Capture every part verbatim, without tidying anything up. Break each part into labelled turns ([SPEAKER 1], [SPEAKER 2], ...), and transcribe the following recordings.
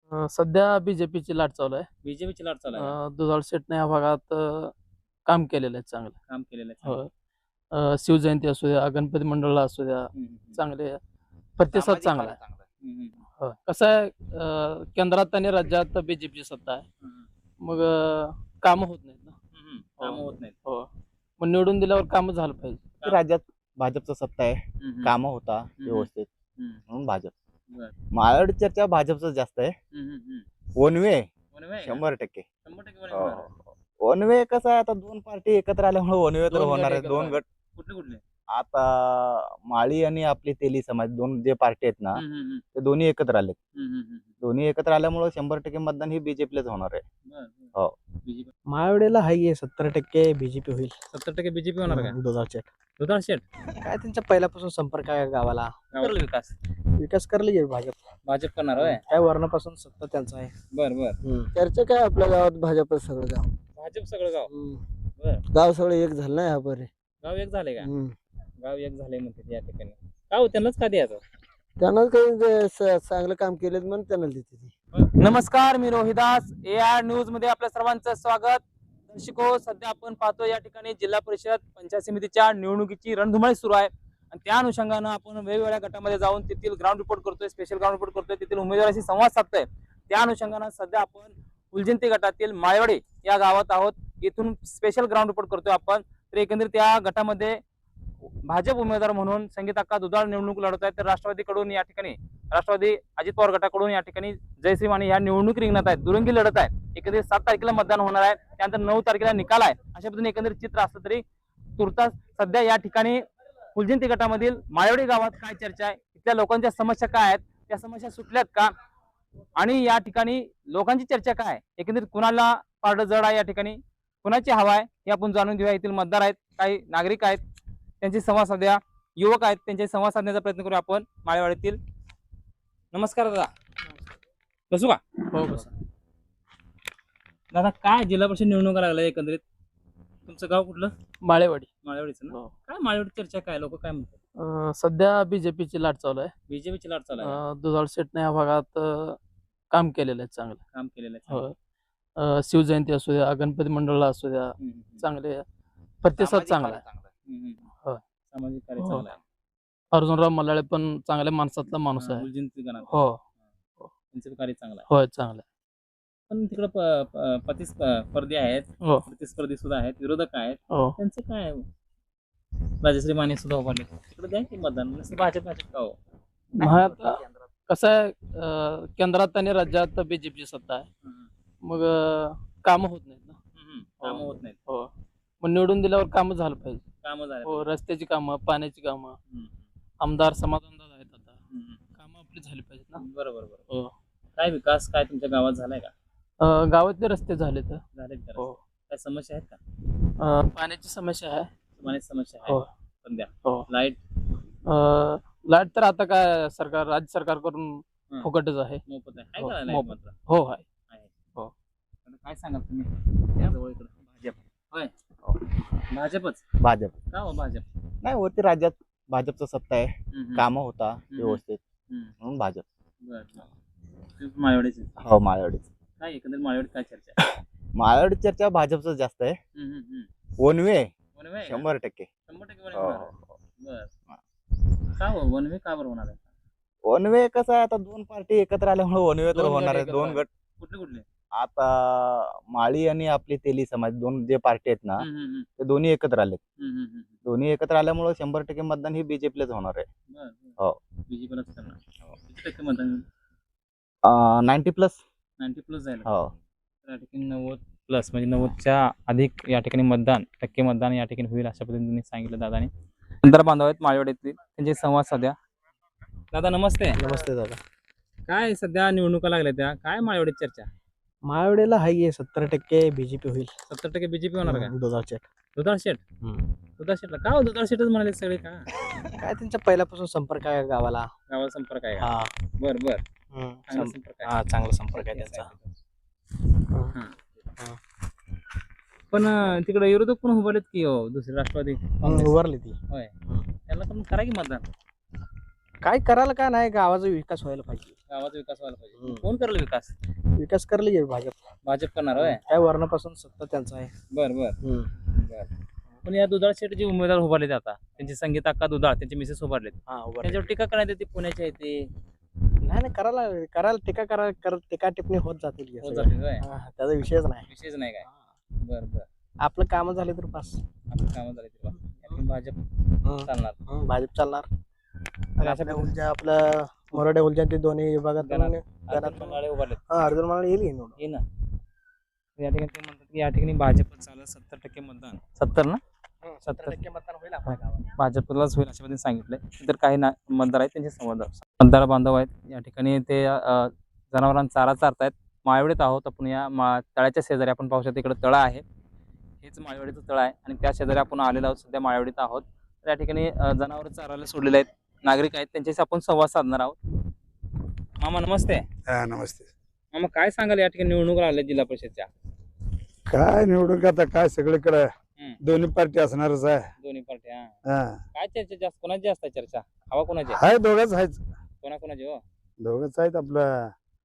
[SPEAKER 1] अ, सध्या बीजेपीची लाट चालू आहे.
[SPEAKER 2] बीजेपीची लाट चालू आहे.
[SPEAKER 1] अ, दुधाळ शेटने या भागात अ, काम केलेलं आहे चांगलं.
[SPEAKER 2] काम केलेलं आहे.
[SPEAKER 1] हो. अ, शिवजयंती असू द्या, गणपती मंडळाला असू द्या,
[SPEAKER 2] हं, हं, हं.
[SPEAKER 1] चांगले प्रतिसाद
[SPEAKER 3] सामाजिक
[SPEAKER 1] चांगला
[SPEAKER 3] कार्य
[SPEAKER 1] आहे.
[SPEAKER 3] चांगलं आहे.
[SPEAKER 2] हं, हं.
[SPEAKER 1] हो. कसं आहे अ, केंद्रात आणि राज्यात बीजेपीची सत्ता आहे.
[SPEAKER 2] हं, हं.
[SPEAKER 1] मग अ, कामं होत नाहीत ना.
[SPEAKER 2] हं, हं. कामं होत नाहीत.
[SPEAKER 1] हो. मग निवडून दिल्यावर कामं झालं पाहिजे.
[SPEAKER 3] की राज्यात भाजपचं सत्ता आहे,
[SPEAKER 2] हं, हं.
[SPEAKER 3] कामं होता
[SPEAKER 2] हं.
[SPEAKER 3] व्यवस्थित
[SPEAKER 2] हं.
[SPEAKER 3] म्हणून भाजप.
[SPEAKER 2] बरं.
[SPEAKER 3] माळाड चर्चा भाजपचं जास्त आहे.
[SPEAKER 2] हं, हं, हं.
[SPEAKER 3] वनवे
[SPEAKER 2] वनवे आहे का?
[SPEAKER 3] शंभर टक्के
[SPEAKER 2] शंभर टक्के वनवे होणार आहे.
[SPEAKER 3] वनवे कसं आहे आता दोन पार्टी एकत्र आल्यामुळे वनवे तर
[SPEAKER 2] दोन गट
[SPEAKER 3] होणार आहे.
[SPEAKER 2] एकत्र
[SPEAKER 3] दोन
[SPEAKER 2] आले.
[SPEAKER 3] गट
[SPEAKER 2] कुठले कुठले?
[SPEAKER 3] आता माळी आणि आपली तेली समाज दोन जे पार्टी आहेत ना
[SPEAKER 2] हं, हं, हं.
[SPEAKER 3] ते दोन्ही एकत्र आलेत.
[SPEAKER 2] हं, हं, हं.
[SPEAKER 3] दोन्ही एकत्र आल्यामुळे शंभर टक्के मतदान ही बीजेपीलाच होणार आहे.
[SPEAKER 2] बरं, बरं.
[SPEAKER 3] हो.
[SPEAKER 2] बीजेपी
[SPEAKER 4] माळवडेला हाय सत्तर टक्के बीजेपी होईल.
[SPEAKER 2] सत्तर टक्के बीजेपी होणार का?
[SPEAKER 4] दुधाळचे
[SPEAKER 2] दुधाळ शेट
[SPEAKER 4] काय त्यांचा पहिल्यापासून संपर्क आहे गावाला.
[SPEAKER 2] गावाला विकास
[SPEAKER 4] विकास करले गेले भाजप.
[SPEAKER 2] भाजप करणार होय.
[SPEAKER 4] काय वर्णापासून सत्ता त्यांचा आहे.
[SPEAKER 2] बर बर
[SPEAKER 5] चर्चा काय आपल्या गावात भाजपच सगळं गाव
[SPEAKER 2] भाजप सगळं गाव
[SPEAKER 5] हम्म.
[SPEAKER 2] बर
[SPEAKER 5] गाव सगळं एक झालं ना ह्या बरे
[SPEAKER 2] गाव एक झाले का?
[SPEAKER 5] हम्म.
[SPEAKER 2] गाव एक झाले म्हणते या ठिकाणी का हो त्यांनाच का द्यायचं?
[SPEAKER 5] त्यानं काही जे स- चांगलं काम केलं म्हणून त्यांना देते ती.
[SPEAKER 2] नमस्कार, मी रोहिदास ए आर न्यूज मध्ये आपल्या सर्वांचं स्वागत. दर्शको, सध्या आपण पाहतो या ठिकाणी जिल्हा परिषद पंचायत समितीच्या निवडणुकीची रणधुमाळी सुरू आहे आणि त्या अनुषंगानं आपण वेगवेगळ्या गटामध्ये जाऊन तेथील ग्राउंड रिपोर्ट करतोय, स्पेशल ग्राउंड रिपोर्ट करतोय, तेथील उमेदवाराशी संवाद साधतोय. त्या अनुषंगानं सध्या आपण फुलजयंती गटातील माळवडे या गावात आहोत. इथून स्पेशल ग्राउंड रिपोर्ट करतोय आपण. तर एकंदरीत त्या गटामध्ये भाजप उमेदवार म्हणून संगीत अक्का दुधाळ निवडणूक लढवत आहेत. तर राष्ट्रवादीकडून या ठिकाणी राष्ट्रवादी अजित पवार गटाकडून या ठिकाणी जयश्री माने या निवडणूक रिंगणात आहेत. दुरंगी लढत आहे. एकंदरीत सात तारखेला मतदान होणार आहे. त्यानंतर नऊ तारखेला निकाल आहे. अशा पद्धतीने एकंदरीत चित्र असलं तरी तुर्तास सध्या या ठिकाणी फुलजयंती गटामधील माळवडी गावात काय चर्चा आहे, इथल्या लोकांच्या समस्या काय आहेत, त्या समस्या सुटल्यात का, आणि या ठिकाणी लोकांची चर्चा काय आहे, एकंदरीत कुणाला पारडं जड आहे, या ठिकाणी कुणाची हवा आहे हे आपण जाणून घेऊया. येथील मतदार आहेत, काही नागरिक आहेत, त्यांची संवाद साध्या, युवक आहेत, त्यांचे संवाद साधण्याचा प्रयत्न करूया आपण माळेवाडीतील. नमस्कार दादा, बसू का?
[SPEAKER 1] हो बस.
[SPEAKER 2] दादा, काय जिल्हा परिषद निवडणुका लागल्या एकंदरीत, तुमचं गाव कुठलं?
[SPEAKER 1] माळेवाडी.
[SPEAKER 2] माळेवाडीचं ना?
[SPEAKER 1] हो.
[SPEAKER 2] काय माळेवाडी चर्चा काय, लोक काय म्हणतात?
[SPEAKER 1] अ, सध्या बीजेपीची लाट चालू आहे.
[SPEAKER 2] बीजेपीची लाट चालू आहे.
[SPEAKER 1] अ, दुधाळ शेटने या भागात अ, काम केलेलं आहे चांगलं.
[SPEAKER 2] काम केलेलं आहे.
[SPEAKER 1] हो. अ, शिवजयंती असू द्या, गणपती मंडळाला असू द्या,
[SPEAKER 2] हम्म, हम्म, हम्म.
[SPEAKER 1] चांगले प्रतिसाद
[SPEAKER 3] सामाजिक
[SPEAKER 1] चांगला
[SPEAKER 3] कार्य
[SPEAKER 1] आहे.
[SPEAKER 3] चांगलं आहे.
[SPEAKER 2] हम्म, हम्म.
[SPEAKER 1] हो.
[SPEAKER 2] सामाजिक कार्य
[SPEAKER 1] हो.
[SPEAKER 2] चांगलं आहे.
[SPEAKER 1] अर्जुनराव मल्लाळे पण चांगल्या माणसातला माणूस
[SPEAKER 2] हा,
[SPEAKER 1] आहे.
[SPEAKER 2] फुलजयंती गणात.
[SPEAKER 1] हो.
[SPEAKER 2] त्यांचं कार्य चांगलं आहे.
[SPEAKER 1] होय चांगलं आहे.
[SPEAKER 2] पण तिकडे प- प- प्रतिस्पर्धी आहेत,
[SPEAKER 1] हो.
[SPEAKER 2] प्रतिस्पर्धी सुद्धा आहेत, विरोधक आहेत,
[SPEAKER 1] हो.
[SPEAKER 2] त्यांचं काय आहे? राजश्री माने सुद्धा उभारले, तिकडे द्या की मतदान. नुसतं भाजप भाजप का हो?
[SPEAKER 1] मग आता कसं आहे अ, केंद्रात आणि राज्यात बीजेपीची सत्ता आहे.
[SPEAKER 2] हम्म,
[SPEAKER 1] मग अ, कामं होत नाहीत ना.
[SPEAKER 2] हम्म. कामं होत नाहीत.
[SPEAKER 1] हो. मग निवडून दिल्यावर कामं झालं पाहिजे.
[SPEAKER 2] कामं झाले.
[SPEAKER 1] हो. रस्त्याची कामं, पाण्याची कामं,
[SPEAKER 2] हम्म,
[SPEAKER 1] आमदार समाधानदार आहेत आता.
[SPEAKER 2] हम्म.
[SPEAKER 1] कामं आपली झाली पाहिजेत ना.
[SPEAKER 2] बरोबर बरोबर.
[SPEAKER 1] हो.
[SPEAKER 2] काय विकास काय तुमच्या गावात झालाय का?
[SPEAKER 1] अ, गावातले रस्ते झाले तर
[SPEAKER 2] झाले का?
[SPEAKER 1] हो.
[SPEAKER 2] काय समस्या आहेत का?
[SPEAKER 1] अ, पाण्याची समस्या आहे.
[SPEAKER 2] पाण्याची समस्या
[SPEAKER 1] हो.
[SPEAKER 2] आहे. पण द्या.
[SPEAKER 1] हो.
[SPEAKER 2] लाईट
[SPEAKER 1] अ, लाईट तर आता काय सरकार राज्य सरकारकडून
[SPEAKER 2] हं.
[SPEAKER 1] फुकटच आहे.
[SPEAKER 2] मोफत आहे. आहे
[SPEAKER 1] हो,
[SPEAKER 2] का लाईट
[SPEAKER 1] मोफत.
[SPEAKER 2] मात्र?
[SPEAKER 1] हो आहे.
[SPEAKER 2] आहे.
[SPEAKER 1] हो.
[SPEAKER 2] आता काय सांगाल तुम्ही? या जवळ इकडं. भाजप. होय. भाजपच
[SPEAKER 3] भाजप
[SPEAKER 2] का हो भाजप?
[SPEAKER 3] नाही वरती राज्यात भाजपचं सत्ता आहे,
[SPEAKER 2] हम्म, हम्म.
[SPEAKER 3] कामं होता व्यवस्थित
[SPEAKER 2] हम्म.
[SPEAKER 3] म्हणून भाजप.
[SPEAKER 2] बरं. तुम्ही माळेवाडीचे.
[SPEAKER 3] हो माळवाडीच.
[SPEAKER 2] काय एकंदरीत माळेवाडीत काय चर्चा आहे?
[SPEAKER 3] माळवाडी चर्चा भाजपचं जास्त आहे.
[SPEAKER 2] हम्म, हम्म, हम्म.
[SPEAKER 3] वनवे
[SPEAKER 2] वनवे आहे का?
[SPEAKER 3] शंभर टक्के.
[SPEAKER 2] शंभर टक्के वनवे
[SPEAKER 3] हो,
[SPEAKER 2] होणार आहे.
[SPEAKER 3] हो.
[SPEAKER 2] बरं. का हो वनवे का बरं होणार आहे?
[SPEAKER 3] वनवे कसं आहे आता दोन पार्टी एकत्र आल्यामुळे वनवे तर
[SPEAKER 1] दोन गट
[SPEAKER 3] होणार आहे.
[SPEAKER 1] एकत्र
[SPEAKER 3] दोन
[SPEAKER 1] आले.
[SPEAKER 3] गट
[SPEAKER 2] कुठले कुठले?
[SPEAKER 3] आता माळी आणि आपली तेली समाज दोन जे पार्टी आहेत ना
[SPEAKER 2] हम्म, हम्म, हम्म.
[SPEAKER 3] ते दोन्ही एकत्र आलेत.
[SPEAKER 2] हम्म, हम्म, हम्म.
[SPEAKER 3] दोन्ही एकत्र आल्यामुळे शंभर टक्के मतदान ही बीजेपीलाच होणार आहे.
[SPEAKER 2] बरं, बरं.
[SPEAKER 3] हो.
[SPEAKER 2] बीजेपीलाच करणार. किती टक्के मतदान?
[SPEAKER 3] Ninety plus.
[SPEAKER 2] नाईन्टी प्लस जाईल.
[SPEAKER 3] हो.
[SPEAKER 2] तर या ठिकाणी नव्वद प्लस म्हणजे नव्वदच्या अधिक या ठिकाणी मतदान टक्के मतदान या ठिकाणी होईल अशा पद्धतीने सांगितलं दादाने. नंतर बांधव आहेत माळेवाडीतील, त्यांचे संवाद साध्या. दादा नमस्ते.
[SPEAKER 4] नमस्ते दादा.
[SPEAKER 2] काय सध्या निवडणुका लागल्या त्या, काय माळेवाडीत चर्चा?
[SPEAKER 4] माळवडेला हाय सत्तर टक्के बीजेपी होईल.
[SPEAKER 2] सत्तर टक्के बीजेपी होणार का?
[SPEAKER 4] दुधाळचे
[SPEAKER 2] दुधाळ शेट. दुधाळ शेटला का हो दुधाळ शेटच म्हणाले सगळे का?
[SPEAKER 4] काय त्यांचा पहिल्यापासून संपर्क आहे गावाला.
[SPEAKER 2] गावाला संपर्क आहे का?
[SPEAKER 4] हा.
[SPEAKER 2] बर बर.
[SPEAKER 4] हम्म.
[SPEAKER 2] चांगला
[SPEAKER 4] सं-
[SPEAKER 2] संपर्क आहे.
[SPEAKER 4] हा चांगला संपर्क आहे त्यांचा.
[SPEAKER 2] हा. पण अं, तिकडे विरोधक पण उभारलेत की हो, दुसरे राष्ट्रवादी काँग्रेस.
[SPEAKER 4] उभारली ती.
[SPEAKER 2] होय. त्यांना पण करा की मतदान.
[SPEAKER 4] काय करायला काय नाही, गावाचा विकास व्हायला पाहिजे.
[SPEAKER 2] गावाचा विकास व्हायला पाहिजे
[SPEAKER 4] हम्म.
[SPEAKER 2] कोण करेल विकास
[SPEAKER 4] विकास करले की भाजप
[SPEAKER 2] भाजप करणार होय
[SPEAKER 4] काय वर्णापासून सत्ता त्यांचा आहे
[SPEAKER 2] बर बर
[SPEAKER 4] हम्म.
[SPEAKER 2] बर पण या दुधाळ शेट जे उमेदवार उभारलेत आता त्यांची संगीत अक्का दुधाळ त्यांचे मिसेस उभारलेत
[SPEAKER 4] हा उभा
[SPEAKER 2] त्याच्यावर टीका करण्यात येते पुण्याचे आहे ते
[SPEAKER 4] नाही नाही करायला करायला टीका करा करत टीका टिप्पणी होत जातील की
[SPEAKER 2] होत
[SPEAKER 4] सगळं.
[SPEAKER 2] जाते होय
[SPEAKER 4] हा, त्याचा विषयच नाही
[SPEAKER 2] विशेष नाही काय बर बर
[SPEAKER 4] आपलं काम झाले तर बस
[SPEAKER 2] आपलं काम झाले ते बा. यातून भाजप चालणार
[SPEAKER 4] हं, भाजप चालणार आणि
[SPEAKER 2] अशा
[SPEAKER 4] आपल्या
[SPEAKER 2] पद्धतीने-
[SPEAKER 4] उलच्या आपल्या मराठा उलच्या ते दोन्ही विभागात
[SPEAKER 2] गणात-
[SPEAKER 4] गणात-
[SPEAKER 2] अर्जुन मंडाळे उभारलेत
[SPEAKER 4] हा अर्जुन मला येईल की निवडून.
[SPEAKER 2] ये ना या ठिकाणी ते म्हणतात की या ठिकाणी भाजप चालत सत्तर टक्के मतदान सत्तर ना
[SPEAKER 4] हं, सत्तर टक्के मतदान होईल आपल्या गावात.
[SPEAKER 2] भाजपलाच होईल अशा पद्धतीने सांगितलंय तर काही ना मतदार आहेत त्यांचे संवाद मतदार बांधव आहेत या ठिकाणी ते अ, जनावरांना चारा चारतायत माळवडीत आहोत आपण या मा तळ्याच्या शेजारी आपण पाहू शकतो इकडे तळं आहे हेच माळवडीचं तळं आहे आणि त्या शेजारी आपण आलेलो आहोत सध्या माळवडीत आहोत तर या ठिकाणी अ, जनावर चारायला सोडलेले आहेत नागरिक आहेत त्यांच्याशी आपण संवाद साधणार आहोत मामा नमस्ते
[SPEAKER 6] हा नमस्ते
[SPEAKER 2] मामा काय सांगाल या ठिकाणी निवडणूक आल्या जिल्हा परिषदच्या
[SPEAKER 6] काय निवडून आता काय सगळीकडे
[SPEAKER 2] हम्म.
[SPEAKER 6] दोन्ही पार्टी असणारच आहे
[SPEAKER 2] दोन्ही पार्टी हा
[SPEAKER 6] हा
[SPEAKER 2] काय चर्चा जास्त कोणाची जास्त आहे चर्चा हवा कोणाची आहे?
[SPEAKER 6] हाय दोघच आहेच
[SPEAKER 2] कोणा कोणाची हो
[SPEAKER 6] दोघच आहेत आपलं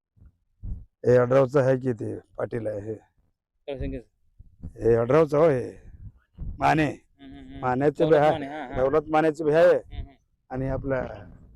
[SPEAKER 6] हे अडरावचं आहे की ते पाटील आहे हे.
[SPEAKER 2] तळसंगी.
[SPEAKER 6] हे अडरावचं हो हे माने
[SPEAKER 2] हम्म, हम्म, हम्म.
[SPEAKER 6] मानेचं बी
[SPEAKER 2] दौलत
[SPEAKER 6] आहे
[SPEAKER 2] माने, हा, हा.
[SPEAKER 6] दौलत मानेचं बी आहे
[SPEAKER 2] हम्म, हम्म.
[SPEAKER 6] आणि आपलं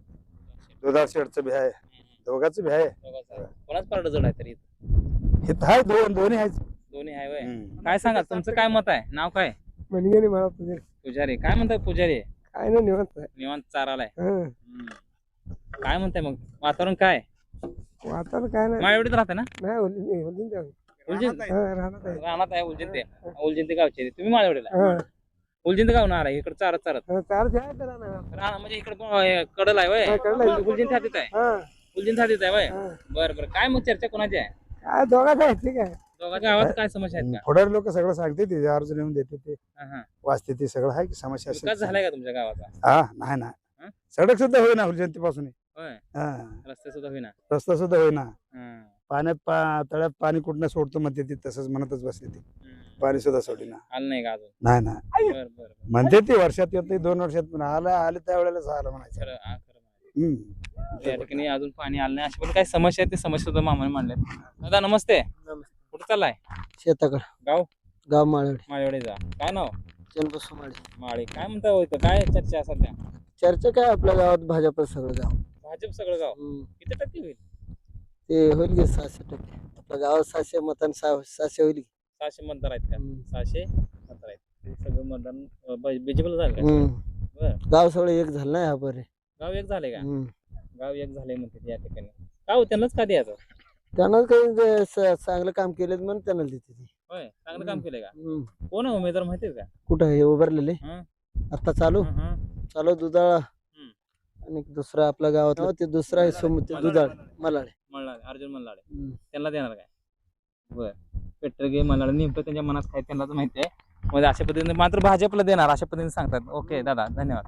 [SPEAKER 6] दुधाळ शेडचं बी आहे दोघांचं बी आहे
[SPEAKER 2] दोघांचं आहे. कोणाच पार्ट जड आहे तरी
[SPEAKER 6] हे तर आहे दोन दोन्ही आहेत
[SPEAKER 2] दोन्ही आहे वय
[SPEAKER 6] हम्म.
[SPEAKER 2] काय सांगा तुमचं काय मत आहे नाव काय
[SPEAKER 5] म्हणजे नाही मला तुझे
[SPEAKER 2] पुजारी काय म्हणताय पुजारी
[SPEAKER 5] काय नाही निवडत
[SPEAKER 2] निवांत चारालाय
[SPEAKER 5] हं.
[SPEAKER 2] हम्म. काय म्हणताय मग वातावरण काय
[SPEAKER 5] वातावरण काय नाही
[SPEAKER 2] माळवडीत राहते ना
[SPEAKER 5] नाही होली नाही होली नाही
[SPEAKER 2] उलजिंत
[SPEAKER 5] हं, राहणार आहे.
[SPEAKER 2] राहणार आहे उलजिंत ते उलजिंत गावचे तुम्ही माळवडीला
[SPEAKER 5] हं.
[SPEAKER 2] उलजिंत गाव ना इकडे चारत चारत
[SPEAKER 5] हं, चार जे आहे त्याला ना.
[SPEAKER 2] राहणार म्हणजे इकडे कडल आहे वय
[SPEAKER 5] हा, कडल आहे.
[SPEAKER 2] उलजिंत हातीत आहे
[SPEAKER 5] हं,
[SPEAKER 2] उलजिंत हातीत आहे वय
[SPEAKER 5] हं.
[SPEAKER 2] बरं बरं काय मग चर्चा कोणाची आहे
[SPEAKER 5] काय दोघांचं आहे ठीक आहे
[SPEAKER 2] दोघांच्या गावात काय समस्या आहेत का
[SPEAKER 6] पुढारी लोक सगळं सांगते ते अर्ज लिहून देते ते
[SPEAKER 2] हा, हा.
[SPEAKER 6] वाचते ते सगळं आहे की समस्या असेल.
[SPEAKER 2] विकास झालाय का तुमच्या गावाचा
[SPEAKER 6] हा नाही ना
[SPEAKER 2] हं?
[SPEAKER 6] सडक सुद्धा होईना जयंतीपासून
[SPEAKER 2] होय
[SPEAKER 6] हा
[SPEAKER 2] रस्ते सुद्धा होईना
[SPEAKER 6] रस्ता सुद्धा होईना
[SPEAKER 2] हं.
[SPEAKER 6] पाण्यात पा तळ्यात पाणी कुठनं सोडतो म्हणते ती तसंच म्हणतच बसते ती
[SPEAKER 2] हं.
[SPEAKER 6] पाणी सुद्धा सोडीना
[SPEAKER 2] आलं नाही का अजून
[SPEAKER 6] नाही ना
[SPEAKER 2] बरं बरं बरं.
[SPEAKER 6] म्हणते ती वर्षात येत नाही दोन वर्षात पण आलं आले त्या वेळेला आलं म्हणायचं
[SPEAKER 2] खरं हा, खरं म्हणायचं.
[SPEAKER 6] हम्म.
[SPEAKER 2] या ठिकाणी अजून पाणी आलं नाही अशा पण काही समस्या आहेत ते समस्या सुद्धा मामाने मांडल्या दादा नमस्ते कुठं चाललाय
[SPEAKER 5] शेताकडे
[SPEAKER 2] गाव
[SPEAKER 5] गाव माळवडी
[SPEAKER 2] माळेवाडीचा काय नाव
[SPEAKER 5] चंद्रपूर माळी
[SPEAKER 2] माळे काय म्हणता हो इथं काय चर्चा आहे सध्या
[SPEAKER 5] चर्चा काय आपल्या गावात भाजप सगळं गाव
[SPEAKER 2] भाजप सगळं गाव
[SPEAKER 5] हं.
[SPEAKER 2] किती टक्के होईल
[SPEAKER 5] ते होईल की सहाशे टक्के आपल्या गावात सहाशे मतान सहाशे होईल की.
[SPEAKER 2] सहाशे मतदार आहेत का
[SPEAKER 5] हं.
[SPEAKER 2] सहाशे मतदार आहेत ते सगळं मतदान बीजेपीला झालं का
[SPEAKER 5] हं.
[SPEAKER 2] बरं
[SPEAKER 5] गाव सगळं एक झालं ना ह्या बरे
[SPEAKER 2] गाव एक झाले का
[SPEAKER 5] हं.
[SPEAKER 2] गाव एक झाले म्हणते या ठिकाणी का हो त्यांनाच का द्यायचं
[SPEAKER 5] त्यानं काही जे स- चांगलं काम केलं म्हणून त्यांना देते ती
[SPEAKER 2] होय चांगलं काम केलंय का
[SPEAKER 5] हं.
[SPEAKER 2] कोण आहे उमेदवार माहितीये का
[SPEAKER 5] कुठं हे उभारलेले
[SPEAKER 2] हं.
[SPEAKER 5] आता चालू
[SPEAKER 2] हं, हं.
[SPEAKER 5] चालू दुधाळा
[SPEAKER 2] हं.
[SPEAKER 5] आणि दुसरा आपल्या गावातला ते दुसरा आहे सोम ते दुधाळ मलाळे
[SPEAKER 2] मल्हार अर्जुन मल्हार
[SPEAKER 5] हं.
[SPEAKER 2] त्यांना देणार काय बर पेट्रोल घे मल्हार नेमकं त्यांच्या मनात काय त्यांनाच माहिती आहे म्हणजे अशा पद्धतीने मात्र भाजपला देणार अशा पद्धतीने सांगतात ओके दादा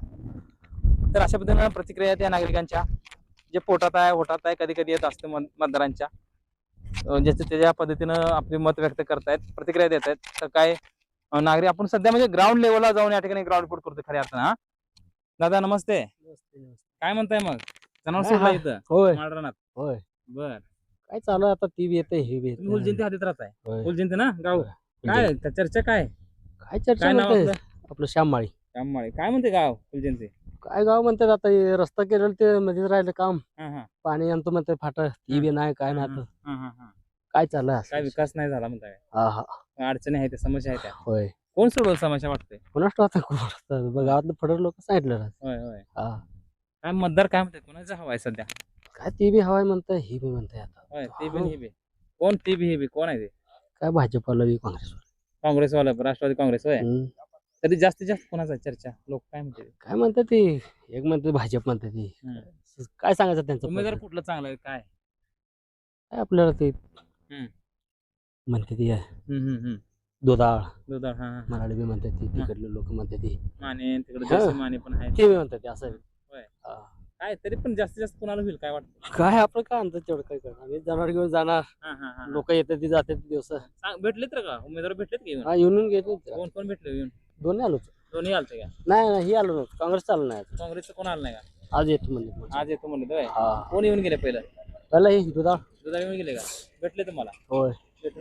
[SPEAKER 2] धन्यवाद तर अशा पद्धतीने प्रतिक्रिया आहेत या नागरिकांच्या जे पोटात आहे होटात आहे कधी कधी येत असते मत- मतदारांच्या अं, ज्याच्या त्याच्या पद्धतीनं आपले मत व्यक्त करतायत प्रतिक्रिया देत आहेत तर काय अं, नागरिक आपण सध्या म्हणजे ग्राउंड लेवलला जाऊन या ठिकाणी ग्राउंड रिपोर्ट करतो खऱ्या अर्थानं हा दादा नमस्ते काय म्हणताय मग जनावर
[SPEAKER 4] काय
[SPEAKER 2] सोडला
[SPEAKER 4] हा-
[SPEAKER 2] इथं
[SPEAKER 4] होय
[SPEAKER 2] माळरानात
[SPEAKER 4] होय
[SPEAKER 2] बर
[SPEAKER 4] काय चालू आहे आता ती बी येते हे बी
[SPEAKER 2] तुम्ही उलजिंती हातीत राहताय
[SPEAKER 4] होय.
[SPEAKER 2] उलजिंती ना गाव काय त्या चर्चा काय
[SPEAKER 4] काय चर्चा
[SPEAKER 2] काय नाव
[SPEAKER 4] म्हणते
[SPEAKER 2] आपलं
[SPEAKER 4] आपलं श्याममाळी
[SPEAKER 2] श्याममाळे काय म्हणते गाव उलजिंती
[SPEAKER 4] काय गाव म्हणतात आता हे रस्ता केलेलं ते मध्येच राहिलं काम
[SPEAKER 2] हा हा
[SPEAKER 4] पाणी आणतो म्हणते फाट ती बी नाही काय नाही आता
[SPEAKER 2] हा, हा, हा.
[SPEAKER 4] काय चाललंय असं?
[SPEAKER 2] काय विकास नाही झाला म्हणताय
[SPEAKER 4] हा हा
[SPEAKER 2] अडचणी आहेत त्या समस्या आहेत त्या
[SPEAKER 4] होय
[SPEAKER 2] कोण सोडवल समस्या वाटते
[SPEAKER 4] कोणाच आता कोण असतं? बघ, गावातलं फडर लोक सांगितलं ना.
[SPEAKER 2] होय होय
[SPEAKER 4] हा
[SPEAKER 2] काय मतदार काय म्हणते कोणाचा हवा आहे सध्या
[SPEAKER 4] काय ती बी हवाय म्हणताय ही बी म्हणताय आता
[SPEAKER 2] होय ते बी हे बी कोण ते बी हे बी कोण आहे ते
[SPEAKER 4] काय भाजपला बी काँग्रेस
[SPEAKER 2] काँग्रेसवाला राष्ट्रवादी काँग्रेस होय तरी जास्तीत जास्त कोणाचा आहे चर्चा लोक काय म्हणते
[SPEAKER 4] काय म्हणतात ती एक म्हणते भाजप म्हणते ती
[SPEAKER 2] हम्म.
[SPEAKER 4] काय सांगायचं त्यांचं
[SPEAKER 2] उमेदवार
[SPEAKER 4] पद्धत?
[SPEAKER 2] कुठलं चांगलं आहे काय
[SPEAKER 4] काय आपल्याला ते
[SPEAKER 2] हम्म.
[SPEAKER 4] म्हणते ती
[SPEAKER 2] हम्म, हम्म, हम्म.
[SPEAKER 4] दुधाळ
[SPEAKER 2] दुधाळ हा हा
[SPEAKER 4] मराठी बी म्हणतात ती तिकडले लोक म्हणतात ती
[SPEAKER 2] माने तिकडे
[SPEAKER 4] हा.
[SPEAKER 2] देशी माने पण आहे
[SPEAKER 4] ते बी म्हणतात ते असं
[SPEAKER 2] होय.
[SPEAKER 4] हा.
[SPEAKER 2] काय तरी पण जास्तीत जास्त कोणाला होईल काय वाटतं
[SPEAKER 4] काय आपलं काय आणतात तेवढं काय करणार आम्ही जनावर घेऊन जाणार
[SPEAKER 2] हा हा हा
[SPEAKER 4] लोक येतात ती जातात दिवस
[SPEAKER 2] सांग भेटलेत तर का उमेदवार भेटलेत का येऊन
[SPEAKER 4] हा येऊन घेतो
[SPEAKER 2] कोण कोण भेटले येऊन
[SPEAKER 4] दोन्ही आलो
[SPEAKER 2] दोन्ही आलते का
[SPEAKER 4] नाही नाही ही आलो नव्हतं काँग्रेस चालू नाही आता.
[SPEAKER 2] काँग्रेसचं कोण आलं नाही का
[SPEAKER 4] आज येतो म्हणजे
[SPEAKER 2] आज येतो म्हणले होय
[SPEAKER 4] हा
[SPEAKER 2] कोण येऊन गेले पहिलं
[SPEAKER 4] पहिला हे दुधा
[SPEAKER 2] दुधाळे मिळून गेले का भेटले तुम्हाला
[SPEAKER 4] होय